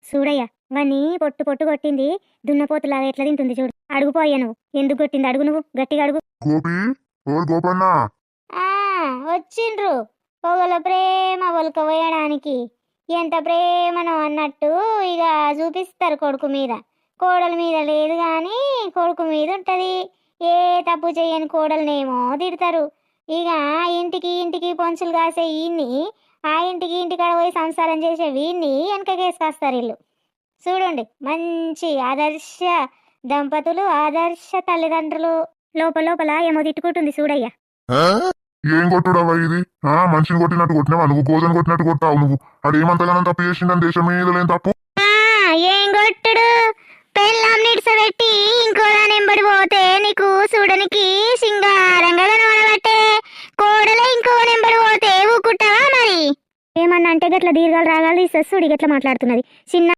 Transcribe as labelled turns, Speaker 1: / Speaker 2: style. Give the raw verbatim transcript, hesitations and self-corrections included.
Speaker 1: చూడయ్య వాణ్ణి పొట్టు పొట్టు కొట్టింది దున్నపోతులా ఎట్లా తింటుంది చూడు. అడుగుపోయా నువ్వు ఎందుకు కొట్టింది అడుగు, నువ్వు గట్టిగా అడుగు.
Speaker 2: గోపి ఓ గోపన్న
Speaker 1: ఆ వచ్చిండ్రు పొగల ప్రేమ ఒలక వేయడానికి. ఎంత ప్రేమనో అన్నట్టు ఇక చూపిస్తారు కొడుకు మీద. కోడల మీద లేదు కానీ కొడుకు మీద ఉంటది. ఏ తప్పు చేయని కోడలనేమో తిడతారు. ఇక ఇంటికి ఇంటికి పొంచులు కాసే ఈయన్ని, ఆ ఇంటికి ఇంటికాడ పోయి సంసారం చేసే వీన్ని వెనకకేసుకొస్తారు వీళ్ళు. చూడండి మంచి ఆదర్శ దంపతులు, ఆదర్శ తల్లిదండ్రులు. లోపల లోపల ఏమో తిట్టుకుంటుంది చూడయ్యా.
Speaker 2: ఏం కొట్టుడవా ఇది? ఆ మనిషిని కొట్టినట్టు కొట్టినావా నువ్వు? గోజను కొట్టినట్టు కొట్టావు నువ్వు. అది ఏమంతగానం తప్పు చేసిందని దేశం మీద లేని తప్పు.
Speaker 1: ఏం కొట్టుడు? పెళ్ళాం నిడిసబెట్టి ఇంకో దాని ఎంబడి పోతే నీకు చూడనికి సింగారంగా కనబడబట్టే. కోడలే ఇంకో నెంబడి పోతే ఊకుంటావా మరి? ఏమన్నా అంటే గట్ల దీర్ఘాలు రాగాలు తీసేస్తుడి గట్ల మాట్లాడుతున్నది. చిన్న